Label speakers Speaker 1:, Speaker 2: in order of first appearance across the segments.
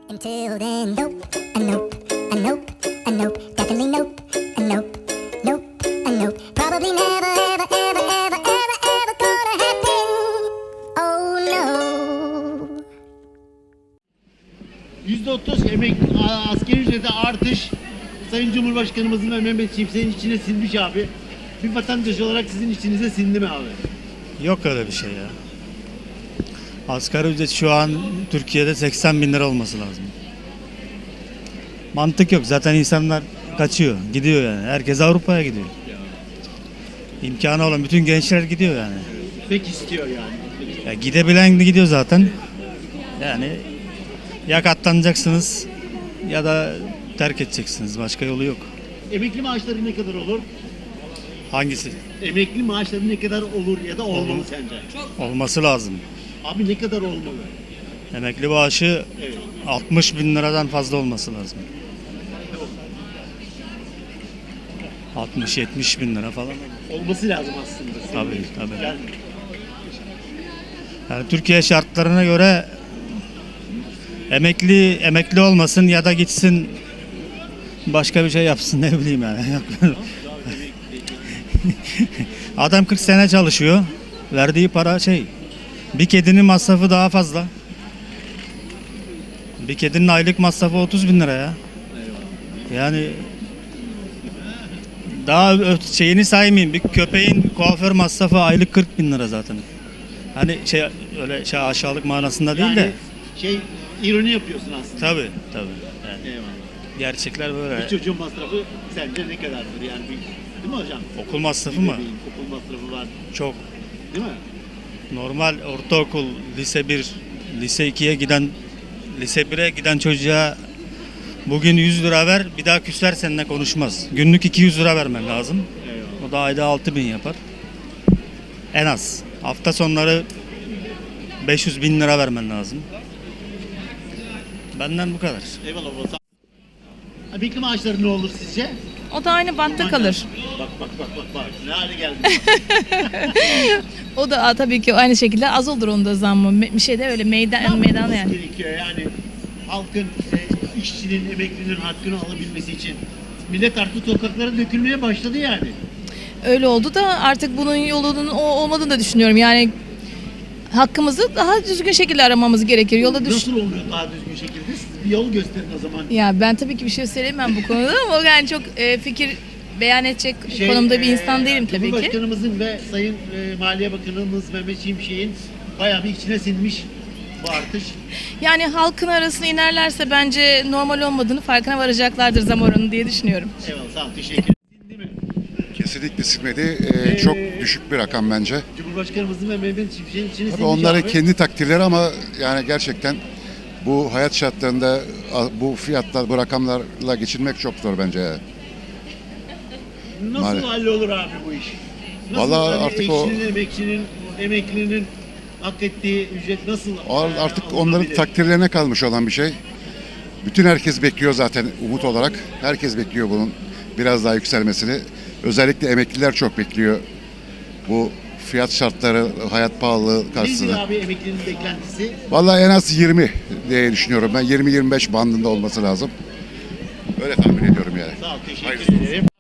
Speaker 1: Until then, nope, a nope, a nope, a nope, definitely nope, a nope, nope, a nope. Probably never, ever, ever, ever, ever, ever gonna happen. Oh no.
Speaker 2: %30 asgari ücrete artış Sayın Cumhurbaşkanımızın ve Mehmet Şimşek'in içine sinmiş abi. Bir vatandaş olarak sizin içinize sindi mi abi?
Speaker 3: Yok öyle bir şey ya. Asgari ücret şu an Türkiye'de 80 bin lira olması lazım. Mantık yok. Zaten insanlar kaçıyor. Gidiyor yani. Herkes Avrupa'ya gidiyor. İmkanı olan bütün gençler gidiyor yani.
Speaker 2: Pek istiyor yani.
Speaker 3: Ya gidebilen de gidiyor zaten. Yani ya katlanacaksınız ya da terk edeceksiniz. Başka yolu yok.
Speaker 2: Emekli maaşları ne kadar olur?
Speaker 3: Hangisi?
Speaker 2: Emekli maaşları ne kadar olur ya da olmalı sence?
Speaker 3: Olması lazım.
Speaker 2: Abi ne kadar olmalı?
Speaker 3: Emekli maaşı
Speaker 2: Evet.
Speaker 3: 60 bin liradan fazla olması lazım. 60-70 bin lira falan.
Speaker 2: Olması lazım aslında.
Speaker 3: Tabii.
Speaker 2: Yani
Speaker 3: Yani Türkiye şartlarına göre emekli olmasın ya da gitsin başka bir şey yapsın, ne bileyim yani. Adam 40 sene çalışıyor. Verdiği para bir kedinin masrafı daha fazla. Bir kedinin aylık masrafı 30 bin lira ya. Yani daha şeyini saymayayım. Bir köpeğin kuaför masrafı aylık 40 bin lira zaten. Hani öyle aşağılık manasında değil de.
Speaker 2: ironi yapıyorsun aslında.
Speaker 3: Tabii. Yani
Speaker 2: Eyvallah.
Speaker 3: gerçekler böyle.
Speaker 2: Bir çocuğun masrafı sence ne kadardır yani? Değil mi hocam?
Speaker 3: Okul masrafı mı?
Speaker 2: Okul masrafı var.
Speaker 3: Çok.
Speaker 2: Değil mi?
Speaker 3: Normal ortaokul, lise 1, lise 2'ye giden, lise 1'e giden çocuğa bugün 100 lira ver, bir daha küsler seninle konuşmaz. Günlük 200 lira vermen lazım.
Speaker 2: Eyvallah.
Speaker 3: O da ayda 6.000 yapar. En az. Hafta sonları 500 bin lira vermen lazım. Benden bu kadar.
Speaker 2: Eyvallah baba. Emekli maaşları ne olur sizce?
Speaker 4: O da aynı bantta kalır.
Speaker 2: Bak. Ne hale geldi?
Speaker 4: O da tabii ki aynı şekilde az olur onda zammı. Bir şey de öyle meydan yani.
Speaker 2: Gerekiyor yani halkın, işçinin, emeklinin hakkını alabilmesi için. Millet artık sokaklara dökülmeye başladı yani.
Speaker 4: Öyle oldu da artık bunun yolunun o olmadığını da düşünüyorum. Yani hakkımızı daha düzgün şekilde aramamız gerekir.
Speaker 2: Nasıl oluyor daha düzgün şekilde? Siz bir yol gösterin o zaman.
Speaker 4: Ya ben tabii ki bir şey söyleyemem bu konuda ama yani çok fikir beyan edecek konumda bir insan değilim tabii ki.
Speaker 2: Cumhurbaşkanımızın ve Sayın Maliye Bakanımız Mehmet Şimşek'in bayağı bir içine sinmiş bu artış.
Speaker 4: Yani halkın arasına inerlerse bence normal olmadığını farkına varacaklardır zam oranı diye düşünüyorum.
Speaker 2: Eyvallah, sağ ol, teşekkür ederim. Değil mi?
Speaker 5: Kesinlikle silmedi. Çok düşük bir rakam bence.
Speaker 2: Cumhurbaşkanımızın ve Mehmet Şimşek'in içine
Speaker 5: Tabii
Speaker 2: sinmiş
Speaker 5: onların
Speaker 2: abi.
Speaker 5: kendi takdirleri ama yani gerçekten bu hayat şartlarında bu fiyatlar, bu rakamlarla geçinmek çok zor bence.
Speaker 2: Nasıl
Speaker 5: Maalesef.
Speaker 2: hallolur abi bu iş? Nasıl
Speaker 5: Vallahi artık o-
Speaker 2: emeklinin hak ettiği ücret nasıl
Speaker 5: Artık onların
Speaker 2: alınabilir?
Speaker 5: takdirlerine kalmış olan bir şey. Bütün herkes bekliyor zaten umut olarak. Herkes bekliyor bunun biraz daha yükselmesini. Özellikle emekliler çok bekliyor. Bu fiyat şartları, hayat pahalılığı
Speaker 2: Nedir
Speaker 5: karşısında.
Speaker 2: abi emeklinin beklentisi?
Speaker 5: Vallahi en az 20 diye düşünüyorum ben. 20-25 bandında olması lazım. Öyle tahmin ediyorum yani.
Speaker 2: Sağ ol, teşekkür
Speaker 5: Hayırlısı olsun.
Speaker 2: ederim.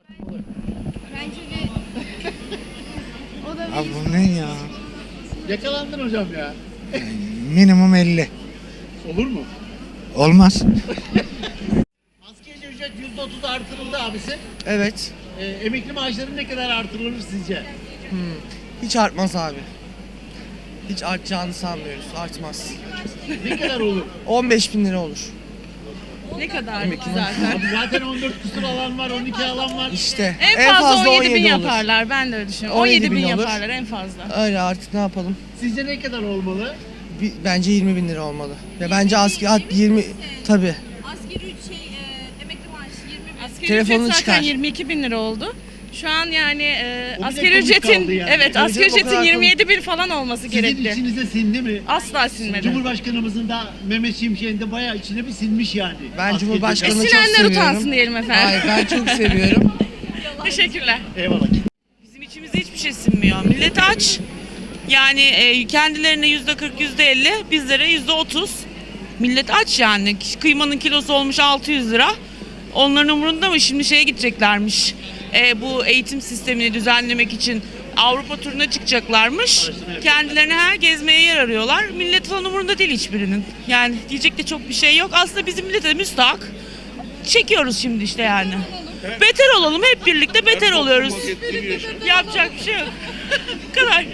Speaker 6: Abi bu ne ya?
Speaker 2: Yakalandın hocam ya.
Speaker 6: Minimum 50.
Speaker 2: Olur mu?
Speaker 6: Olmaz.
Speaker 2: Asgari ücret %30 artırıldı abisi.
Speaker 6: Evet.
Speaker 2: Emekli maaşları ne kadar artırılır sizce?
Speaker 6: Hiç artmaz abi. Hiç artacağını sanmıyoruz. Artmaz.
Speaker 2: Ne kadar olur?
Speaker 6: 15 bin lira olur.
Speaker 4: Ne kadar zaten.
Speaker 2: Abi zaten 14 küsur alan var, 12 alan var.
Speaker 6: İşte.
Speaker 7: En fazla 17 bin
Speaker 6: olur.
Speaker 7: yaparlar. Ben de öyle düşünüyorum.
Speaker 6: 17
Speaker 7: 17 bin
Speaker 6: bin olur.
Speaker 7: yaparlar en fazla.
Speaker 6: Öyle artık ne yapalım?
Speaker 2: Sizce ne kadar olmalı?
Speaker 6: Bence 20 bin lira olmalı. Ya bence asgari 20 tabii.
Speaker 8: Asgari emekli maaşı 20 bin.
Speaker 7: Asgari
Speaker 6: Telefonunu
Speaker 7: ücret zaten
Speaker 6: çıkar.
Speaker 7: 22 bin lira oldu. Şu an yani
Speaker 2: O bile
Speaker 7: asgari
Speaker 2: komik
Speaker 7: ücretin
Speaker 2: kaldı yani.
Speaker 7: evet
Speaker 6: Tabii
Speaker 7: asgari
Speaker 6: canım, o
Speaker 7: ücretin
Speaker 6: kadar
Speaker 7: 27 bin falan olması
Speaker 2: Sizin
Speaker 7: gerekli.
Speaker 2: içinize sindi mi?
Speaker 7: Asla sinmedi.
Speaker 2: Cumhurbaşkanımızın da Mehmet Şimşek'in de bayağı içine bir sinmiş yani.
Speaker 6: Ben
Speaker 2: Asgari
Speaker 6: Cumhurbaşkanı
Speaker 2: ücret.
Speaker 6: çok
Speaker 7: Sinenler
Speaker 6: seviyorum.
Speaker 7: utansın diyelim efendim.
Speaker 6: Hayır ben çok seviyorum.
Speaker 7: Teşekkürler.
Speaker 2: Eyvallah.
Speaker 9: Bizim içimize hiçbir şey sinmiyor. Millet aç. Yani kendilerine %40, %50, bizlere %30. Millet aç yani. Kıymanın kilosu olmuş 600 lira. Onların umurunda mı? Şimdi şeye gideceklermiş. Bu eğitim sistemini düzenlemek için Avrupa turuna çıkacaklarmış. Kendilerine gezmeye yer arıyorlar. Millet falan umurunda değil hiçbirinin. Yani diyecek de çok bir şey yok. Aslında bizim millete müstahak. Çekiyoruz şimdi işte yani. Beter olalım, hep birlikte beter oluyoruz. Yapacak bir şey yok. Bu kadar.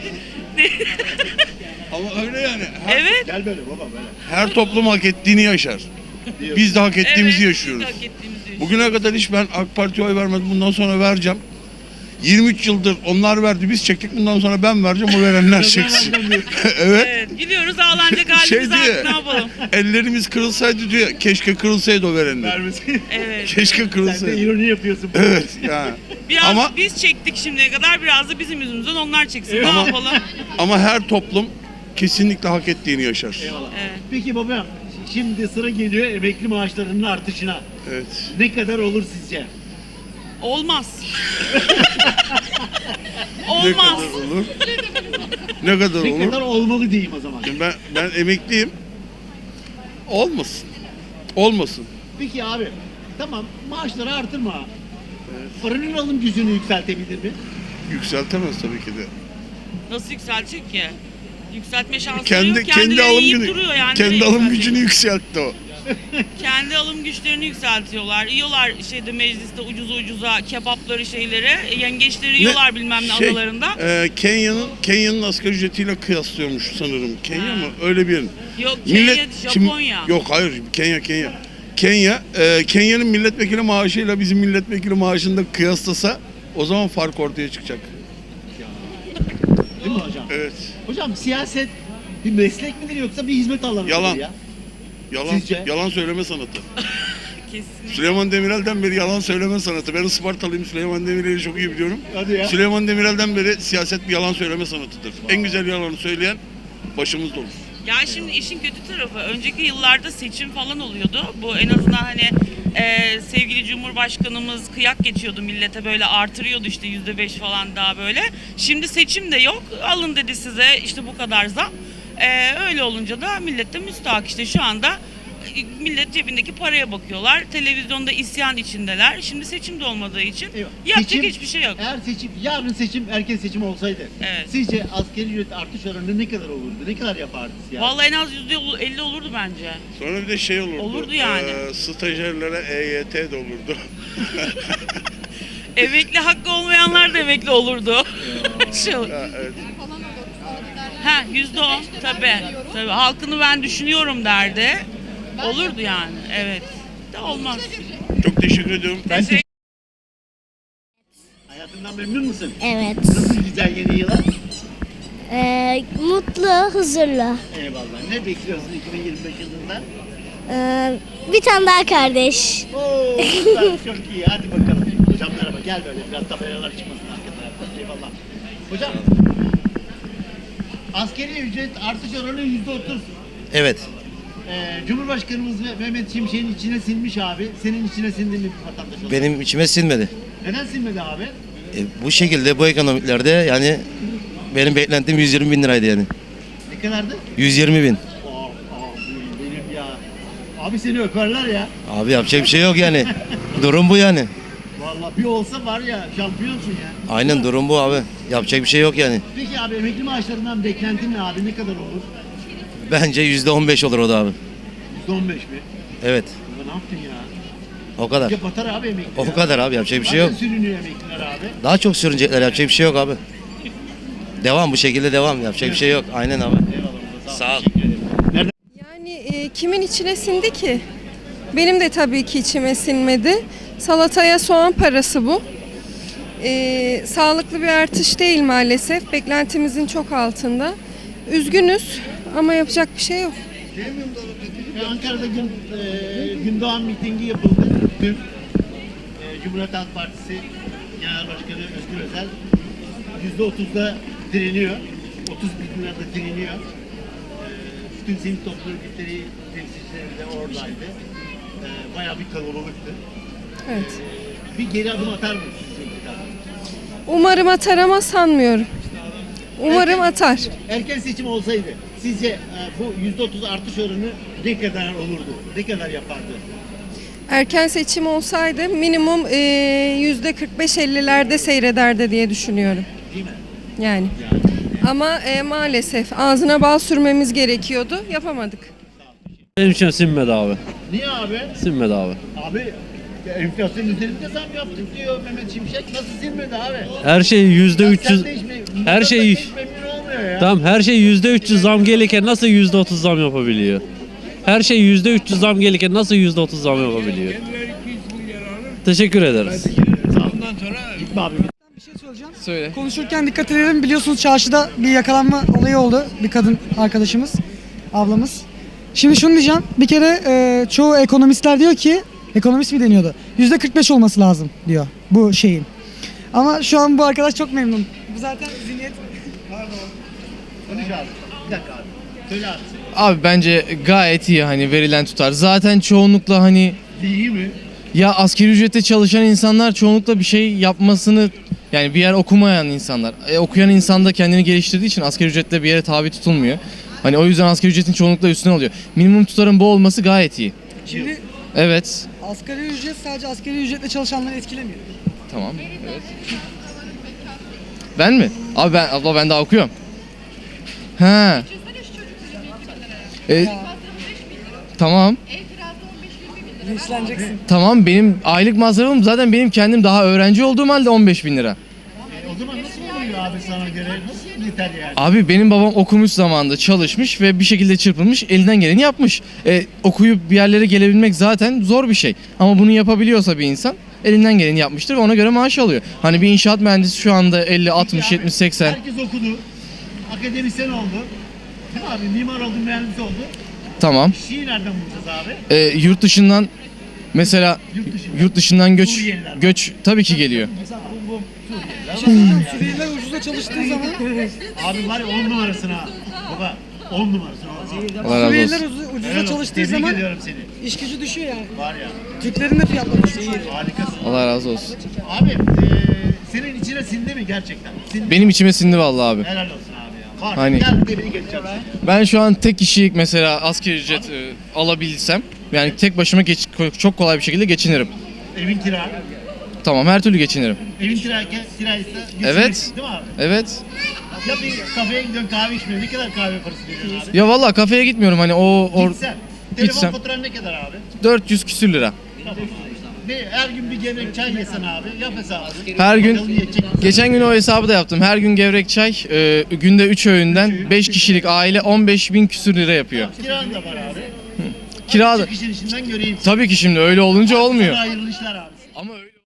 Speaker 10: Ama öyle yani.
Speaker 9: Evet.
Speaker 2: Gel böyle baba böyle.
Speaker 10: Her toplum hak ettiğini yaşar. Biz de hak ettiğimizi
Speaker 9: Evet,
Speaker 10: yaşıyoruz.
Speaker 9: biz de hak ettiğimizi yaşıyoruz.
Speaker 10: Bugüne kadar hiç ben AK Parti'ye oy vermedim. Bundan sonra vereceğim. 23 yıldır onlar verdi, biz çektik. Bundan sonra ben vereceğim, o verenler çeksin. Evet.
Speaker 9: Evet, gidiyoruz ağlanacak halimiz
Speaker 10: Şey
Speaker 9: artık,
Speaker 10: diyor,
Speaker 9: ne yapalım?
Speaker 10: ellerimiz kırılsaydı diyor. Keşke kırılsaydı o verenler.
Speaker 2: Vermesin.
Speaker 9: Evet.
Speaker 10: Keşke
Speaker 2: Sen de
Speaker 10: kırılsaydı.
Speaker 2: ironi yapıyorsun.
Speaker 10: Evet yani.
Speaker 9: Biraz
Speaker 10: Ama
Speaker 9: biz çektik şimdiye kadar, biraz da bizim yüzümüzden onlar çeksin. Ne
Speaker 10: Ama-
Speaker 9: yapalım?
Speaker 10: ama her toplum kesinlikle hak ettiğini yaşar.
Speaker 2: Eyvallah.
Speaker 9: Evet.
Speaker 2: Peki babam, şimdi sıra geliyor emekli maaşlarının artışına.
Speaker 10: Evet.
Speaker 2: Ne kadar olur sizce?
Speaker 9: Olmaz.
Speaker 10: Ne
Speaker 9: Olmaz.
Speaker 10: kadar olur? Ne kadar
Speaker 2: Ne
Speaker 10: olur?
Speaker 2: kadar olmalı diyeyim o zaman.
Speaker 10: Ben emekliyim. Olmasın. Olmasın.
Speaker 2: Peki abi, tamam maaşları artırma. Paranın alım gücünü yükseltebilir mi?
Speaker 10: Yükseltemez tabii ki de.
Speaker 9: Nasıl yükseltecek ki? Yükseltme şansı
Speaker 10: Kendi
Speaker 9: yok. Kendileri
Speaker 10: kendi alım
Speaker 9: yiyip
Speaker 10: günü
Speaker 9: duruyor yani.
Speaker 10: kendi
Speaker 9: Nereye
Speaker 10: alım
Speaker 9: yükseltecek?
Speaker 10: gücünü yükseltti o.
Speaker 9: Kendi alım güçlerini yükseltiyorlar. Yiyorlar şeyde mecliste ucuza kebapları şeyleri. Yengeçleri yiyorlar bilmem ne adalarında.
Speaker 10: Kenya'nın asgari ücretiyle kıyaslıyormuş sanırım. Kenya
Speaker 9: Ha.
Speaker 10: mı? Öyle bir.
Speaker 9: Yok Kenya, Japonya.
Speaker 10: Yok hayır Kenya. Kenya'nın milletvekili maaşıyla bizim milletvekili maaşını da kıyaslasa o zaman fark ortaya çıkacak.
Speaker 2: Değil mi hocam?
Speaker 10: Evet.
Speaker 2: Hocam siyaset bir meslek midir yoksa bir hizmet alanı mıdır
Speaker 10: Yalan.
Speaker 2: ya?
Speaker 10: Yalan,
Speaker 2: Sizce?
Speaker 10: yalan söyleme sanatı.
Speaker 9: Kesinlikle.
Speaker 10: Süleyman Demirel'den beri yalan söyleme sanatı. Ben Ispartalıyım, Süleyman Demirel'i çok iyi biliyorum.
Speaker 2: Hadi ya.
Speaker 10: Süleyman Demirel'den beri siyaset bir yalan söyleme sanatıdır. En güzel yalanı söyleyen başımızda olur.
Speaker 9: Ya şimdi işin kötü tarafı, önceki yıllarda seçim falan oluyordu. Bu en azından hani sevgili Cumhurbaşkanımız kıyak geçiyordu millete, böyle artırıyordu işte %5 falan daha böyle. Şimdi seçim de yok, alın dedi size işte bu kadar zam. Öyle olunca da millet de müstahak işte şu anda. Millet cebindeki paraya bakıyorlar. Televizyonda isyan içindeler. Şimdi seçim de olmadığı için
Speaker 2: Eyvah.
Speaker 9: yapacak
Speaker 2: Seçim,
Speaker 9: hiçbir şey yok.
Speaker 2: Eğer yarın erken seçim olsaydı,
Speaker 9: Evet.
Speaker 2: sizce asgari ücret artış oranı ne kadar olurdu? Ne kadar yapardı ya?
Speaker 9: Vallahi en az %50 olurdu bence.
Speaker 10: Sonra bir de şey olurdu.
Speaker 9: Olurdu yani.
Speaker 10: Stajyerlere EYT de olurdu.
Speaker 9: Emekli hakkı olmayanlar da emekli olurdu. Şu.
Speaker 10: Ha, evet.
Speaker 9: Ha %10 tabii. Tabii halkını ben düşünüyorum derdi. Olurdu yani. Evet. De olmaz.
Speaker 10: Çok teşekkür ediyorum.
Speaker 9: Teşekkür
Speaker 2: Hayatından memnun musun?
Speaker 1: Evet.
Speaker 2: Nasıl güzel yeni yıla?
Speaker 1: Mutlu, huzurlu.
Speaker 2: Eyvallah. Ne bekliyorsun 2025 yılında?
Speaker 1: Bir tane daha kardeş.
Speaker 2: Oo, güzel, çok iyi. Hadi bakalım. Hocam merhaba. Gel böyle biraz tabelalar çıkmasın arka tarafta. Eyvallah. Hocam, askeri ücret artış oranı %30.
Speaker 11: Evet.
Speaker 2: Cumhurbaşkanımız ve Mehmet Şimşek'in içine sinmiş abi. Senin içine sindi mi bir vatandaş olarak?
Speaker 11: Benim içime sinmedi.
Speaker 2: Neden sinmedi abi?
Speaker 11: Bu şekilde bu ekonomiklerde yani benim beklentim 120 bin liraydı yani.
Speaker 2: Ne kadardı?
Speaker 11: 120 bin.
Speaker 2: Benim ya. Abi seni öperler ya.
Speaker 11: Abi yapacak bir şey yok yani. Durum bu yani.
Speaker 2: Vallahi bir olsa var ya şampiyonsun ya.
Speaker 11: Aynen durum bu abi. Yapacak bir şey yok yani.
Speaker 2: Peki abi emekli maaşlarından beklentin ne abi? Ne kadar olur?
Speaker 11: Bence %15 olur o da abi.
Speaker 2: %15 mi?
Speaker 11: Evet.
Speaker 2: Baba ne yaptın ya?
Speaker 11: O kadar.
Speaker 2: Ya batar abi emekli
Speaker 11: O
Speaker 2: ya.
Speaker 11: kadar abi, yapacak bir şey yok.
Speaker 2: Zaten sürünüyor emekliler abi.
Speaker 11: Daha çok sürünecekler, yapacak bir şey yok abi. Devam, bu şekilde devam, yapacak bir şey yok. Aynen abi.
Speaker 2: Eyvallah.
Speaker 11: Sağ ol.
Speaker 2: Teşekkür ederim. Nereden?
Speaker 12: Yani kimin içine sindi ki? Benim de tabii ki içime sinmedi. Salataya soğan parası bu. Sağlıklı bir artış değil maalesef. Beklentimizin çok altında. Üzgünüz ama yapacak bir şey yok.
Speaker 2: Ankara'da Gündoğan mitingi yapıldı. Dün Cumhuriyet Halk Partisi Genel Başkanı Özgür Özel %30'da direniyor. 30 bin lirada direniyor. Bütün sivil toplum örgütleri temsilcileri de oradaydı. Bayağı bir kalabalıktı.
Speaker 12: Evet.
Speaker 2: Bir geri adım atar mı sizce iktidar?
Speaker 12: Umarım atar ama sanmıyorum. Umarım atar.
Speaker 2: Erken seçim olsaydı Sizce bu %30 artış oranı ne kadar olurdu? Ne kadar yapardı?
Speaker 12: Erken seçim olsaydı minimum %45-50'lerde seyrederdi diye düşünüyorum.
Speaker 2: Değil mi?
Speaker 12: Yani. Ama maalesef ağzına bal sürmemiz gerekiyordu. Yapamadık.
Speaker 13: Benim için sinmedi abi.
Speaker 2: Niye abi?
Speaker 13: Sinmedi abi.
Speaker 2: Abi enflasyon üzerinde zam yaptık diyor Mehmet Şimşek. Nasıl silmedi abi?
Speaker 13: Her şey %300 her şey
Speaker 2: hiç memnun olmuyor ya.
Speaker 13: tamam her şey %300 zam gelirken nasıl %30 zam yapabiliyor? Her şey %300 zam gelirken nasıl %30 zam yapabiliyor? Teşekkür ederiz.
Speaker 2: Gitme abi.
Speaker 6: Bir şey söyleyeceğim.
Speaker 11: Söyle.
Speaker 6: Konuşurken dikkat edelim. Biliyorsunuz çarşıda bir yakalanma olayı oldu. Bir kadın arkadaşımız, ablamız. Şimdi şunu diyeceğim. Bir kere çoğu ekonomistler diyor ki, ekonomist mi deniyordu? %45 olması lazım diyor bu şeyin. Ama şu an bu arkadaş çok memnun. Bu zaten zihniyet.
Speaker 2: Konuş abi. Bir dakika abi. Söyle abi.
Speaker 11: Abi bence gayet iyi hani verilen tutar. Zaten çoğunlukla hani
Speaker 2: İyi mi?
Speaker 11: ya asgari ücrette çalışan insanlar çoğunlukla bir şey yapmasını yani bir yer okumayan insanlar. Okuyan insan da kendini geliştirdiği için asgari ücretle bir yere tabi tutulmuyor. Hani o yüzden asgari ücretin çoğunlukla üstüne oluyor. Minimum tutarın bu olması gayet iyi.
Speaker 6: Şimdi
Speaker 11: Evet.
Speaker 6: asgari ücret sadece asgari ücretle çalışanları etkilemiyor.
Speaker 11: Tamam. Evet. Ben mi? Abi ben daha okuyorum. Ha. Tamam.
Speaker 6: Linçleneceksin.
Speaker 11: Tamam benim aylık masrafım zaten benim kendim daha öğrenci olduğum halde 15.000 lira.
Speaker 2: O zaman nasıl oluyor abi sana göre? Nasıl yeter yani?
Speaker 11: Abi benim babam okumuş zamanında çalışmış ve bir şekilde çırpınmış elinden geleni yapmış. Okuyup bir yerlere gelebilmek zaten zor bir şey. Ama bunu yapabiliyorsa bir insan elinden geleni yapmıştır ve ona göre maaş alıyor. Hani bir inşaat mühendisi şu anda 50, 60, 70, 80.
Speaker 2: Herkes okudu. Akademisyen oldu. Değil mi abi? Mimar oldu, mühendis oldu.
Speaker 11: Tamam.
Speaker 2: İşi nereden bulacağız abi?
Speaker 11: Yurt dışından mesela yurt dışından
Speaker 2: Suriyeliler.
Speaker 11: göç tabii ki geliyor.
Speaker 2: Mesela bu Suriyeliler.
Speaker 6: Suriyeliler ucuza çalıştığı zaman
Speaker 2: Abi var ya 10 numarasın ha. Baba 10 numarasın.
Speaker 11: Allah razı
Speaker 6: Suriyeliler
Speaker 11: olsun.
Speaker 6: ucuza çalıştığı
Speaker 2: Tebrik
Speaker 6: zaman
Speaker 2: ediyorum seni.
Speaker 6: iş gücü düşüyor yani.
Speaker 2: Var ya.
Speaker 6: Türklerin de fiyatları düşüyor.
Speaker 2: Harikasın.
Speaker 11: Allah razı olsun.
Speaker 2: Abi senin içine sindi mi gerçekten? Sindi.
Speaker 11: Benim içime sindi vallahi abi.
Speaker 2: Helal olsun abi ya. Var.
Speaker 11: Hani-
Speaker 2: Gel tebrik edeceğim seni.
Speaker 11: Ben şu an tek kişilik mesela asgari ücret alabilsem yani tek başıma çok kolay bir şekilde geçinirim.
Speaker 2: Evin kira.
Speaker 11: Tamam her türlü geçinirim.
Speaker 2: Evin kiraysa geçinirsin,
Speaker 11: Evet.
Speaker 2: değil mi abi?
Speaker 11: Evet.
Speaker 2: Ya bir kafeye gidiyorsun kahve içmiyorsun. Ne kadar kahve parası veriyorsun abi?
Speaker 11: Ya vallahi kafeye gitmiyorum hani
Speaker 2: Gitsen. Telefon
Speaker 11: gitsem.
Speaker 2: faturan ne kadar abi?
Speaker 11: 400 küsür lira.
Speaker 2: Tamam abi. Her gün bir gevrek çay yesen abi. Yap hesabı.
Speaker 11: Her gün
Speaker 2: Bakalım yiyecek misin?
Speaker 11: geçen gün o hesabı da yaptım. Her gün gevrek çay günde 3 öğünden 5 kişilik aile 15.000 küsür lira yapıyor.
Speaker 2: Kiran da var abi.
Speaker 11: Kira da
Speaker 2: Çık işin içinden göreyim.
Speaker 11: tabii ki şimdi öyle olunca olmuyor.
Speaker 2: Sana hayırlı işler abi.
Speaker 11: Ama öyle